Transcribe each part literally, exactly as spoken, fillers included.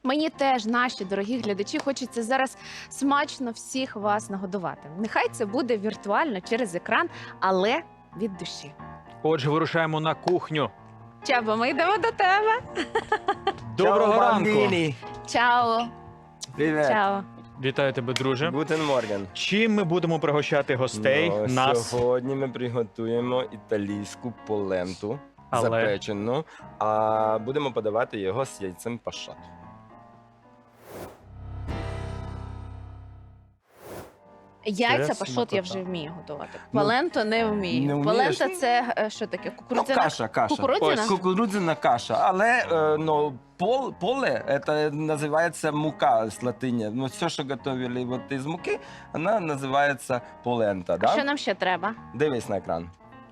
Мені теж, наші дорогі глядачі, хочеться зараз смачно всіх вас нагодувати. Нехай це буде віртуально через екран, але від душі. Отже, вирушаємо на кухню. Чабо, ми йдемо до тебе. Доброго Ciao, ранку. bambini. Чао. Привет. Чао. Вітаю тебе, друже. Гутен Морген. Чим ми будемо пригощати гостей? Ну, Нас. Сьогодні ми приготуємо італійську поленту Але- запечену, а будемо подавати його з яйцем пашот. Яйця Це пашот я смакота. вже вмію готувати. Ну, Паленто не вмію. не вмієш? Палента це е, що таке? Ну, Кукурудзяна? каша, каша. Кукурудзяна? Ось, кукурудзяна каша. Але е, ну, пол, поле, це називається мука з латині. Ну, все, що готували вот із муки, вона називається полента. А Да? що нам ще треба? Дивись на екран.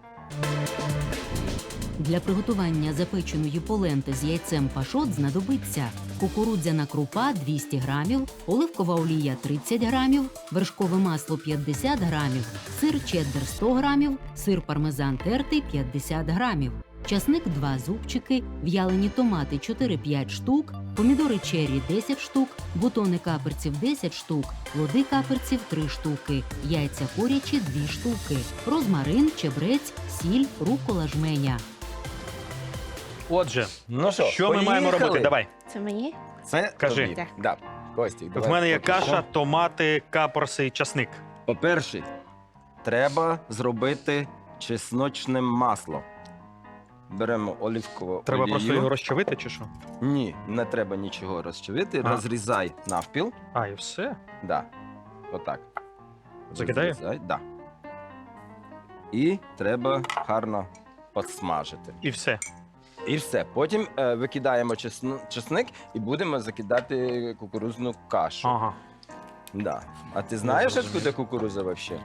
Для приготування запеченої поленти з яйцем пашот знадобиться кукурудзяна крупа двісті грамів, оливкова олія тридцять грамів, вершкове масло п'ятдесят грамів, сир чеддер сто грамів, сир пармезан тертий п'ятдесят грамів, часник два зубчики, в'ялені томати чотири-п'ять штук, помідори черрі десять штук, бутони каперців десять штук, плоди каперців три штуки, яйця курячі дві штуки, розмарин, чебрець, сіль, рукола жменя. Отже, Ну що, що ми маємо поїхали? робити? Давай. Це мені? Це Кажи. тобі. Так. Да. Костік, В давай мене є поки що. каша, томати, капорси і часник. По-перше, треба зробити чесночне масло. Беремо оливкову Треба олію. просто його розчавити чи що? Ні, не треба нічого розчавити. А. Розрізай навпіл. А, і все? Да. Отак. Закидаю? Розрізай, да. І треба гарно посмажити. І все. І все. Потім е, викидаємо чесн- чесник і будемо закидати кукурузну кашу. Ага. Да. А ти знаєш, зрозумів. откуда кукуруза взагалі?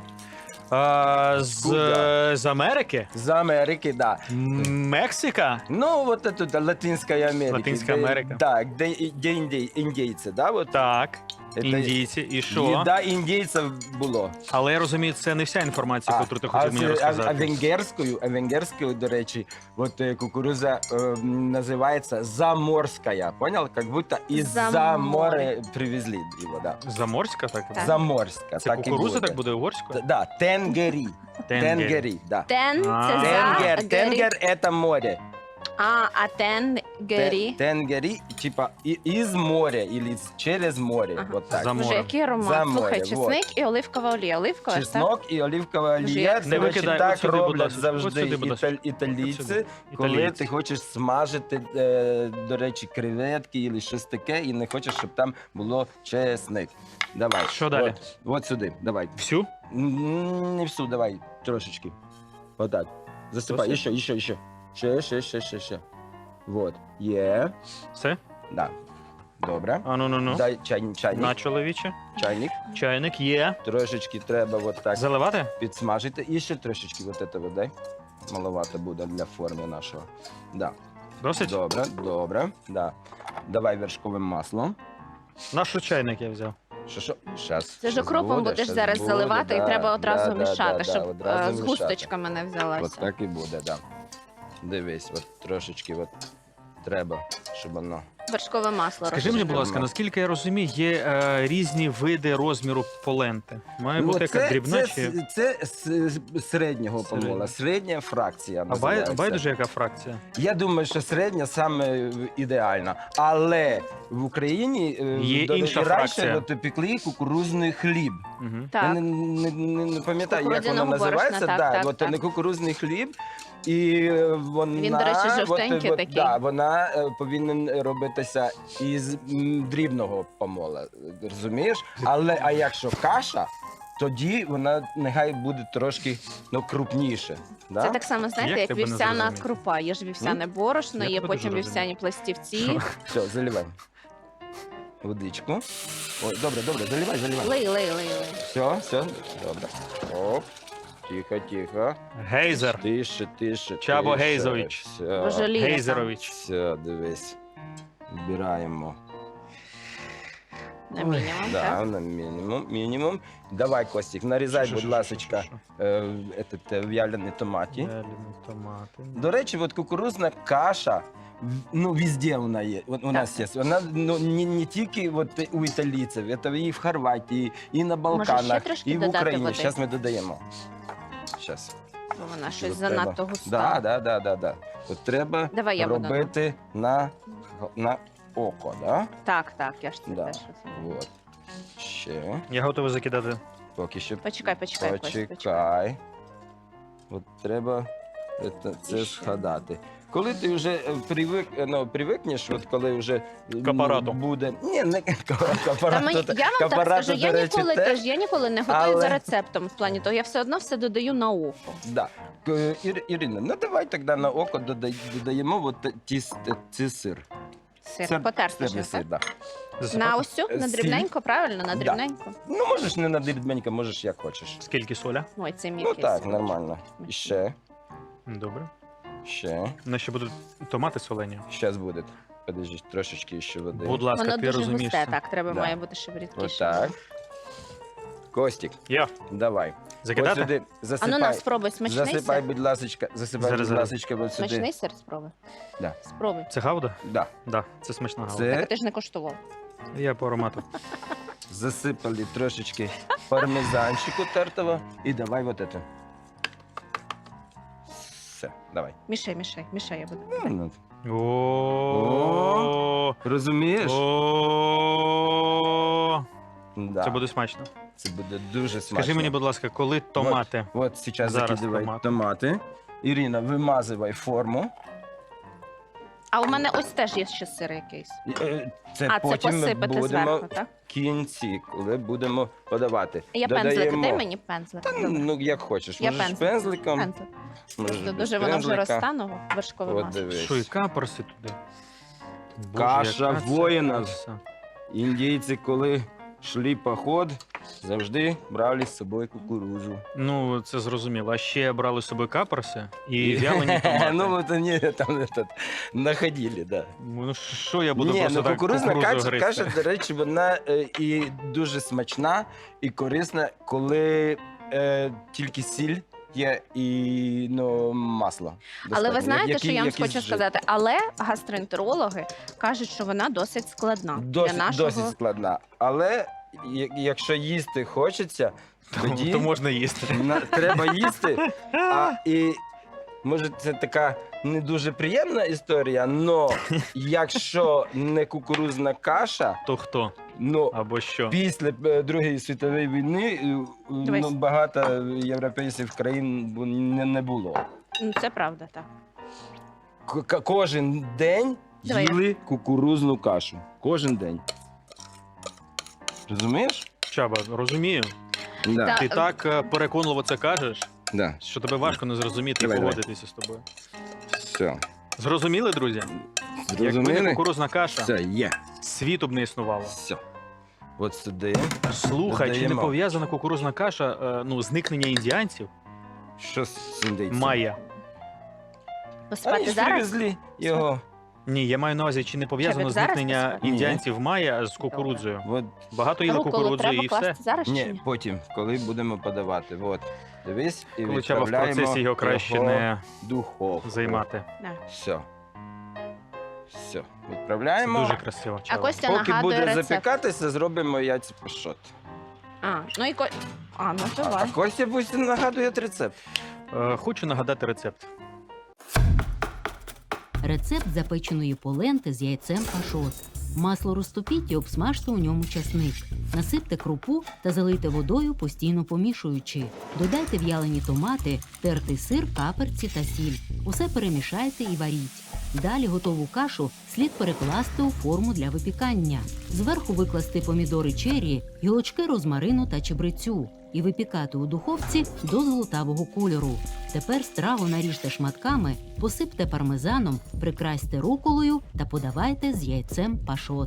А, з, Куда? з Америки? З Америки, да. М, Мексика? Ну, вот это Латинская Америка. Латинская Где- Америка. Да, где, где инди- индейцы, да, вот. Так. Это Індійці. І що? Їда індійців було. Але я розумію, це не вся інформація, яку ти хотів а, мені це- а, а розказати. венгерською, а венгерською, до речі, от е, кукуруза е, називається заморська. Понял? Как будто із-за За моря море. привезли його, да. Заморська, так? Так. Заморська. Це так і кукуруза так буде Т- угорською? Да, тенгері. Тенгері, да. Тен А. це за Тенгер, гері. тенгер – це море. А, а тен гері. Те- Тенгері, типа, і- із моря, или з- через море. Ага. Вот так. За Боже, море. який аромат. За Слухай, море, чесник і оливкова олія. Оливкова ж, так? Чеснок і оливкова Боже, олія. як Це Не речі, викидай, так от сюди, будь роблять ласка. От завжди сюди, будь ласка. італь- італійці, От сюди. коли Італійці. ти хочеш смажити, е, до речі, креветки або щось таке, і не хочеш, щоб там було чесник. Давай. Що далі? От, от сюди, давай. Всю? М, Не всю, давай, трошечки. Отак. Засипай, Досить? ще, ще, ще. Ще, ще, ще, ще, ще. Вот. Є. Все? Да. Добре. А ну ну ну. Дай чай, чайник. На чоловіче. Чайник. Чайник є. Трошечки треба от так Заливати? підсмажити. І ще трошечки от этого дай. Маловато буде для форми нашого. Да. Досить? Добре, добре. Да. Давай вершкове масло. Наш чайник я взяв. Що, що? Щас, Це ж щас окропом буде, будеш щас зараз буде, заливати, да, і треба одразу да, мішати, да, да, щоб одразу е, з мішати. густочками не От взялася. так і буде, да. Дивись, от трошечки от треба, щоб воно. Вершкове масло. Скажи мені, будь ласка, Розчавимо. наскільки я розумію, є е, різні види розміру поленти. Має Ну, бути якась дрібна це, чи. це, с- з середнього Середня. помола, середня фракція А бай, називається. байдуже яка фракція? Я думаю, що середня саме ідеальна. Але в Україні е, Є до- інша і фракція. раніше от, пекли кукурузний хліб. Угу. Так. Я не, не, не, не пам'ятаю, як воно Кукурудзяного називається. борошна, да, так, от, так, не так. кукурузний хліб. І е, вона, Він, до речі, жовтенький от, такий. Да, вона е, повинна робитися із м, дрібного помола. Розумієш? Але а якщо каша, тоді вона нехай буде трошки ну, крупніше. Да? Це так само, знаєте, Як як тебе не вівсяна зрозуміти? крупа. Є ж вівсяне борошно, Я є тебе потім дуже вівсяні пластівці. Все, заливай. Водичку. Ой, добре, добре, заливай, заливай. Лей, лей, лей, лей. Все, все, добре. Оп. Тихо, тихо. Гейзер. Тише, тише. Чабо тише. Гейзович. Все. Боже, Ліра там. Гейзерович. Все, дивись. Збираємо. На мінімум, Да, так? на мінімум. мінімум. Давай, Костік, нарізай, Що, будь що, що, ласка, що, е, этот, е, в'ялені томаті. Вялені томати. До речі, от кукурузна каша, в- ну, везде вона є. От у нас є. Вона ну, не, не тільки от у італійців, це і в Хорватії, і на Балканах, трошки і в додати Україні. води? Зараз ми додаємо. Зараз. Бо вона щось От занадто треба. густа. Да, да, да, да, да. От треба Давай я буду. робити на, на око, да? Так, так, я ж це Да. теж розумію. От. Ще. Я готовий закидати. Поки що. Почекай, почекай, Костя, почекай. Почекай. От треба це, це І ще. згадати. Коли ти вже е, привик, е, ну, привикнеш, от коли вже ну, К апарату. буде. Ні, не к к- к Та апарату. мені, та- я вам к так апарату, скажу, до я речі, ніколи теж. теж, я ніколи не готую але- за рецептом в плані того, я все одно все додаю на око. Да. К- Ір- Ірина, ну давай тоді на око додай- додаємо от ті, с- ці сир. Сир, Сир- потерти Сирний ж, сир, так? да. Засипати? На ось цю, на Сіль. дрібненько, правильно? На Да. дрібненько? Ну, можеш не на дрібненько, можеш як хочеш. Скільки соля? Ой, це мій Ну так, нормально. І ще, Добре. ще. У нас ще будуть томати солені. Зараз буде. Подожди, трошечки ще води. Будь ласка, Воно ти дуже розумієш. густе, це. так, треба Да. має бути ще рідкіше. Отак. Костік, Я. давай. Ось Закидати? сюди А ну засипай. на, спробуй, смачний Засипай, сир? будь ласочка, засипай, Зараз, будь зараз. ласочка, ось сюди. Смачний сир спробуй? Да. Спробуй. Це гауда? Да. Да, це смачна гауда. Це- Так ти ж не коштував. Я по аромату. Засипали трошечки пармезанчику тертого. І давай вот это. Все, давай. Мішай, мішай, мішай, я буду. Ну, О. Розумієш? О. Да. Це буде смачно. Це буде дуже смачно. Скажи мені, будь ласка, коли томати? От зараз Зараз закидывай томати. томати. Ірина, вимазывай форму. А у мене ось теж є ще сир якийсь. Е, Це А, це потім ми посипати будемо зверху, так? в кінці, коли будемо подавати. Я пензлик, Додаємо- дай мені пензлик. Та, Добре. ну, як хочеш. Я Можеш пензлик. пензликом. Пензлик. можеш Просто без дуже воно вже пензлика. розтануло, вершкове От масло. дивись. Що і каперси туди? Боже, Каша яка це воїнів. краса. Індійці, коли йшли поход, завжди брали з собою кукурузу. Ну, це зрозуміло. А ще брали з собою каперси і вялені томати. Ну, вот они там этот, находили, да. Ну, що я буду Ні, просто ну так кукурузна кукурудзу каша, гризти? каша, до речі, вона е, і дуже смачна, і корисна, коли е, тільки сіль є і ну, масло. Але ви достатньо. знаєте, Які- що я вам якийсь хочу жир. сказати? Але гастроентерологи кажуть, що вона досить складна Досить, для нашого. досить складна. Але я- якщо їсти хочеться, тоді То можна їсти. на- треба їсти. А, і може це така не дуже приємна історія, але якщо не кукурузна каша, То хто? ну Або що? після е, Другої світової війни е, Дивись. ну, багато європейських країн бу- не, не було. Ну, це правда, так. К- к- кожен день Давай. їли кукурузну кашу. Кожен день. Розумієш? Чаба, розумію. Да. Та- Ти так е, переконливо це кажеш, Да. що тебе важко не зрозуміти Давай, і давай. погодитися з тобою. Все. Зрозуміли, друзі? Якби не Зрозуміли? кукурузна каша, Все, є. світу б не існувало. Все. От сюди. Слухай, чи не Додаємо. пов'язана кукурузна каша, е, ну, зникнення індіанців? Що з індейцем? Майя. Вони Посипати ж зараз? привезли його. Ні, я маю на увазі, чи не пов'язано Чабік, зараз зникнення посипати? індіанців майя з кукурудзою? От, Багато їли Руколу кукурудзи треба і все. класти зараз чи ні, ні? потім, коли будемо подавати. От. Дивись, і Коли Чаба в відправляємо процесі його краще його не в духовку. займати. Да. Все. Все. Це Відправляємо. дуже красиво. А Чаба. Костя Поки нагадує буде рецепт. запікатися, зробимо яйця пашот. А, ну і ко... А, ну А, а давай. Костя пусть нагадує рецепт. Е, Хочу нагадати рецепт. Рецепт запеченої поленти з яйцем пашот. Масло розтопіть і обсмажте у ньому часник. Насипте крупу та залийте водою, постійно помішуючи. Додайте в'ялені томати, тертий сир, каперці та сіль. Усе перемішайте і варіть. Далі готову кашу слід перекласти у форму для випікання. Зверху викласти помідори чері, гілочки розмарину та чебрецю і випікати у духовці до золотавого кольору. Тепер страву наріжте шматками, посипте пармезаном, прикрасьте руколою та подавайте з яйцем пашот.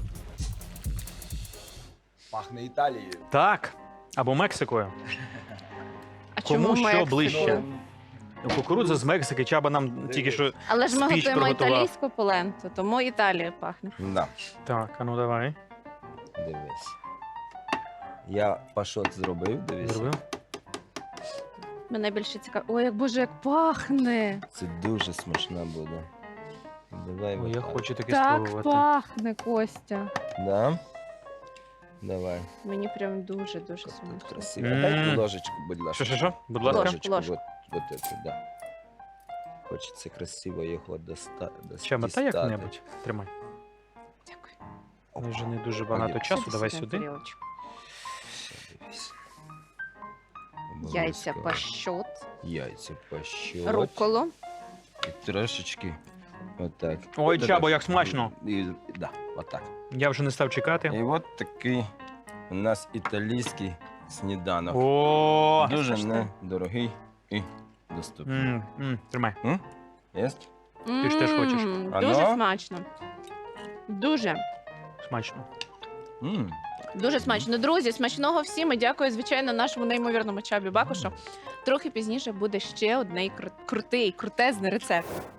Пахне Італією. Так, або Мексикою. А Кому чому що Мексику? ближче? Кукурудза з Мексики, Чаба нам тільки що... Але ж ми Спіч готуємо приготував. італійську поленту, тому Італія пахне. Да. Так, а ну давай. Дивись. Я пашот зробив, дивись. Зробив? Мене більше цікаво. Ой, як боже, як пахне! Це дуже смачно буде. Давай. Ой, я отак. хочу таке Так спробувати. пахне, Костя. Да? Давай. Мені прям дуже-дуже Тут смачно. красиво. М. Дай ложечку, будь ласка. Що, що, що? Будь ласка. Ложку, ложку. Вот, вот это, да. Хочеться красиво його доста... Чема, та дістати. як-небудь. Тримай. Дякую. Мені вже не дуже багато часу, Сюди, давай сюди, сюди. тарілочку. Все, дивись. Яйця Обов'язково. пашот, Яйця пащот. рукколу. І трошечки отак. Ой, Отак. Чабо, як смачно. І, да, отак. Я вже не став чекати. І от такий у нас італійський сніданок. О! Дуже Смачно. недорогий і доступний. М, м, Тримай. Єсть? Ти ж теж хочеш. М, А Дуже ну? смачно. Дуже. Смачно. М. Дуже смачно. Друзі, смачного всім. І дякую, звичайно, нашому неймовірному Чабі Бакушу. Трохи пізніше буде ще один крутий, крутезний рецепт.